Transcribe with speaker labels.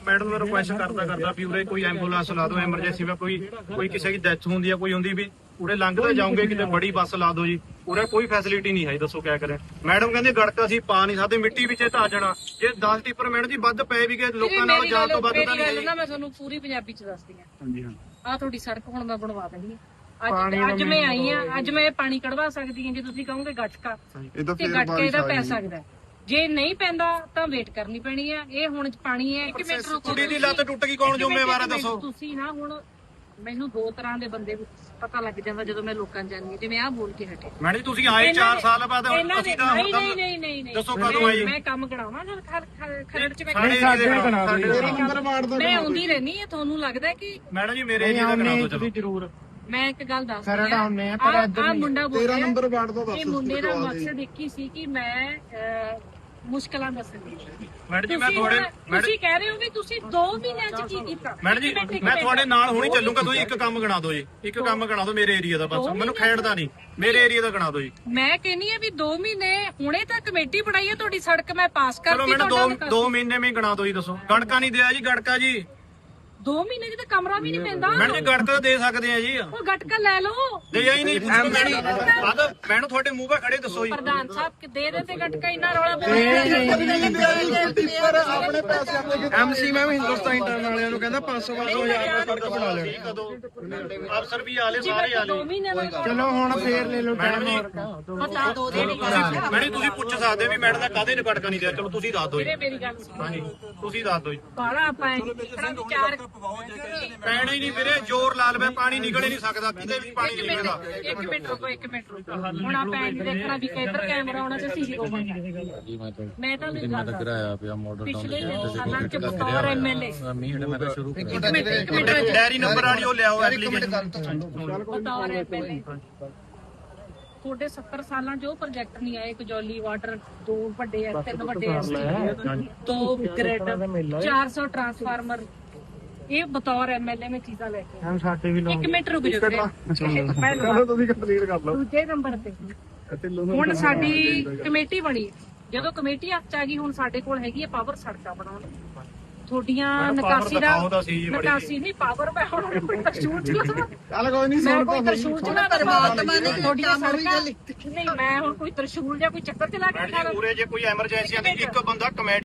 Speaker 1: madam मैं request करता भी उरे कोई एंबुलेंस ला दो एमरजेंसी में कोई किसी की डेथ होंगी कोई होंगी भी उरे लंघते जाओगे कि बड़ी बस ला दो जी उरे कोई फैसिलिटी नहीं है दसो क्या करें मैडम कहते गड़का असीं पा नहीं सकते मिट्टी विच धा जाना जे 10 टिप्पर मैडम जी वध पे भी गए लोकां नाल जान तो वध तां नहीं
Speaker 2: मैं तुहानूं पूरी पंजाबी च दसदी हां
Speaker 1: हां जी हां
Speaker 2: आ तुहाडी सड़क हुण मैं बनवा देनी ਅੱਜ ਮੈਂ ਆਈ ਆ ਅੱਜ ਮੈਂ ਪਾਣੀ ਕਢਵਾ ਸਕਦੀ ਹਾਂ ਜੇ ਤੁਸੀਂ ਕਹੋਗੇ ਗੱਟਕਾ ਤੇ ਗੱਟਕੇ ਦਾ ਪੈ ਸਕਦਾ ਜੇ ਨਹੀਂ ਪੈਂਦਾ ਤਾਂ ਵੇਟ ਕਰਨੀ ਪੈਣੀ ਆ ਇਹ ਹੁਣ ਪਾਣੀ ਹੈ 1 ਮਿੰਟ ਰੁਕੋ
Speaker 1: ਕੁੜੀ ਦੀ ਲੱਤ ਟੁੱਟ ਗਈ ਕੌਣ ਜ਼ਿੰਮੇਵਾਰ ਹੈ ਦੱਸੋ
Speaker 2: ਤੁਸੀਂ ਨਾ ਹੁਣ ਮੈਨੂੰ ਦੋ ਤਰ੍ਹਾਂ ਦੇ ਬੰਦੇ ਪਤਾ ਲੱਗ ਜਾਂਦਾ ਜਦੋਂ ਮੈਂ ਲੋਕਾਂ ਜਾਣੀ ਜਿਵੇਂ ਆਹ ਬੋਲ ਕੇ ਹਟੇ
Speaker 1: ਮੈਡਮ ਤੁਸੀਂ ਆਏ 4 ਸਾਲ ਬਾਅਦ ਅਸੀਂ ਤਾਂ
Speaker 2: ਨਹੀਂ
Speaker 1: ਦੱਸੋ ਕਦੋਂ ਆਈ
Speaker 2: ਮੈਂ ਕੰਮ ਕਰਾਵਾਂ ਜਦ ਖਰੜ ਚ
Speaker 1: ਮੈਂ
Speaker 2: ਆਉਂਦੀ ਰਹਿਣੀ ਹੈ ਤੁਹਾਨੂੰ ਲੱਗਦਾ ਕਿ
Speaker 1: ਮੈਡਮ ਜੀ ਮੇਰੇ ਏਰੀਆ ਦਾ ਕਰਾ ਦਿਓ ਚਲੋ
Speaker 3: ਜ਼ਰੂਰ
Speaker 2: ਮੈਂ ਇੱਕ ਗੱਲ ਦੱਸ
Speaker 3: ਖਰੜ ਆਉਂਦੇ ਆ ਪਰ
Speaker 2: ਆ ਮੁੰਡਾ ਬੋਲ
Speaker 3: 13 ਨੰਬਰ ਵਾਰਡ ਤੋਂ
Speaker 2: ਇਹ ਮੁੰਡੇ ਦਾ ਮਕਸਦ ਇੱਕ ਹੀ ਸੀ ਕਿ ਮੈਂ ਮੁਸ਼ਕਲਾਂ ਦੱਸਣੀ
Speaker 1: ਮੈਡਮ ਜੀ ਮੈਂ ਤੁਹਾਡੇ
Speaker 2: ਤੁਸੀਂ ਕਹਿ ਰਹੇ ਹੋ ਵੀ ਤੁਸੀਂ 2 ਮਹੀਨਿਆਂ ਚ ਕੀ ਕੀਤਾ
Speaker 1: ਮੈਡਮ ਜੀ ਮੈਂ ਤੁਹਾਡੇ ਨਾਲ ਹੁਣੀ ਚੱਲੂਗਾ ਤੁਸੀਂ ਇੱਕ ਕੰਮ ਗਣਾ ਦਿਓ ਜੀ ਇੱਕ ਕੰਮ ਗਣਾ ਦਿਓ ਮੇਰੇ ਏਰੀਆ ਦਾ ਬਸ ਮੈਨੂੰ ਖੇਡਦਾ ਨਹੀਂ ਮੇਰੇ ਏਰੀਆ ਦਾ ਗਣਾ ਦਿਓ ਜੀ
Speaker 2: ਮੈਂ ਕਹਿੰਨੀ ਆ ਵੀ 2 ਮਹੀਨੇ ਹੁਣੇ ਤਾਂ ਕਮੇਟੀ ਬਣਾਈ ਹੈ ਤੁਹਾਡੀ ਸੜਕ ਮੈਂ ਪਾਸ
Speaker 1: ਚਲੋ
Speaker 2: ਕਰਤੀ
Speaker 1: ਮੈਨੂੰ 2 ਮਹੀਨੇ ਵਿੱਚ ਗਣਾ ਦਿਓ ਜੀ ਦੱਸੋ ਗੜਕਾ ਨਹੀਂ ਦਿਆ ਜੀ ਗੜਕਾ ਜੀ
Speaker 2: 2 ਮਹੀਨੇ ਚ ਤਾਂ ਕਮਰਾ ਵੀ ਨਹੀਂ ਪੈਂਦਾ
Speaker 1: ਮੈਡਮ ਜੀ ਗੜਕਾ ਦੇ ਸਕਦੇ ਆ ਜੀ
Speaker 2: ਉਹ ਗਟਕਾ ਲੈ ਲਓ
Speaker 1: ਦੇ ਹੀ ਨਹੀਂ ਮੈਨੂੰ ਤੁਹਾਡੇ ਮੂੰਹ 'ਤੇ ਖੜੇ ਦੱਸੋ ਜੀ
Speaker 2: ਪ੍ਰਧਾਨ ਸਾਹਿਬ ਦੇ ਦੇ ਤੇ ਗਟਕਾ ਇੰਨਾ ਰੌਲਾ
Speaker 3: ਆਪਣੇ ਪੈਸੇ ਐਮਸੀ ਮੈਂ ਵੀ ਹਿੰਦੁਸਤਾਨ ਇੰਟਰਨ ਵਾਲਿਆਂ ਨੂੰ ਕਹਿੰਦਾ 500-500 ਸੜਕ ਬਣਾ ਲੈਣੀ
Speaker 1: ਅਫਸਰ ਵੀ ਆਲੇ ਸਾਰੇ ਆਲੇ
Speaker 2: 2 ਮਹੀਨੇ ਦਾ
Speaker 3: ਚਲੋ ਹੁਣ ਫੇਰ ਲੈ ਲਓ
Speaker 1: ਮੈਡਮ ਜੀ
Speaker 2: ਪਤਾ ਦੋ ਦੇ
Speaker 1: ਮੈਡਮ ਤੁਸੀਂ ਪੁੱਛ ਸਕਦੇ ਵੀ ਮੈਡਮ ਦਾ ਕਾਹਦੇ ਨੇ ਗੜਕਾ ਨਹੀਂ ਦਿਆ ਚਲੋ ਤੁਸੀਂ ਦੱਸ ਦਿਓ ਜੀ
Speaker 2: ਮੇਰੀ ਗੱਲ ਸੁਣੋ
Speaker 1: ਹਾਂਜੀ ਤੁਸੀਂ ਦੱਸ ਦਿਓ ਜੀ
Speaker 2: ਬਾਲਾ ਆਪਾਂ ਵਿਚਾਰ
Speaker 1: ਪੈਣਾ ਹੀ ਨਹੀਂ ਵੀਰੇ ਜ਼ੋਰ ਲਾ ਲਵੇ ਪਾਣੀ ਨਿਕਲ ਹੀ ਨਹੀਂ ਸਕਦਾ ਕਿਤੇ ਵੀ ਪਾਣੀ ਨਹੀਂ ਨਿਕਲਦਾ
Speaker 2: 1 ਮਿੰਟ ਰੁਕੋ ਹੁਣ ਆਪਾਂ ਇਹ ਦੇਖਣਾ ਵੀ ਕਿੱਧਰ ਕੈਮਰਾ ਆਉਣਾ ਤੇ ਸੀਸੀ ਮੈਂ ਤਾਂ ਨਹੀਂ ਗੱਲ
Speaker 4: ਕਰਾਇਆ ਪਿਆ ਮਾਡਲ
Speaker 2: ਪਿਛਲੇ ਸਾਲਾਂ ਚ ਬਤੌਰ ਐਮਐਲਏ
Speaker 4: ਮੈਂ ਤਾਂ ਸ਼ੁਰੂ
Speaker 2: ਇੱਕ ਮਿੰਟ
Speaker 1: ਡੈਰੀ ਨੰਬਰ ਵਾਲੀ ਉਹ ਲਿਆਓ ਐਪਲੀਕੇਸ਼ਨ
Speaker 2: ਬਤੌਰ ਐਮਐਲਏ ਤੁਹਾਡੇ 70 ਸਾਲਾਂ ਚ ਉਹ ਪ੍ਰੋਜੈਕਟ ਨਹੀਂ ਆਏ ਕਜੌਲੀ ਵਾਟਰ 2 ਵੱਡੇ ਐ 3 ਵੱਡੇ ਐ 2 ਗ੍ਰਿਡ 400 ਟਰਾਂਸਫਾਰਮਰ ਇਹ ਬਤੌਰ ਐਮਐਲਏ ਮੈਂ ਚੀਜ਼ਾਂ ਲੈ ਕੇ
Speaker 3: ਸਾਡੇ ਵੀ
Speaker 2: 1 ਮਿੰਟ ਰੁਕ ਜਾਓ
Speaker 3: ਚਲੋ ਤੁਸੀਂ ਕੰਪਲੀਟ ਕਰ ਲਓ
Speaker 2: ਦੂਜੇ ਨੰਬਰ ਤੇ ਹੁਣ ਸਾਡੀ ਕਮੇਟੀ ਬਣੀ ਜਦੋਂ ਕਮੇਟੀ ਹੱਥ ਚ ਆ ਗਈ ਹੁਣ ਸਾਡੇ ਕੋਲ ਹੈਗੀ ਹੈ ਪਾਵਰ ਸੜਕਾਂ ਬਣਾਉਣ ਤੁਹਾਡੀਆਂ ਨਿਕਾਸੀ ਨਹੀਂ ਪਾਵਰ ਮੈਂ ਹੁਣ ਕੋਈ ਤਰਸ਼ੂਲ ਚਲਾ
Speaker 3: ਚੱਲ ਕੋਈ ਨਹੀਂ
Speaker 2: ਮੈਂ ਕੋਈ ਤਰਸ਼ੂਲ ਚਲਾ ਪਰਮਾਤਮਾ ਨੇ ਤੁਹਾਡੀਆਂ ਸੜਕਾਂ ਨਹੀਂ ਮੈਂ ਹੁਣ ਕੋਈ ਤਰਸ਼ੂਲ ਜਾਂ ਕੋਈ ਚੱਕਰ ਚਲਾ ਕੇ
Speaker 1: ਪੂਰੇ ਜੇ ਕੋਈ ਐਮਰਜੈਂਸੀ ਆਂਦੀ ਇੱਕ ਬੰਦਾ ਕਮੇਟੀ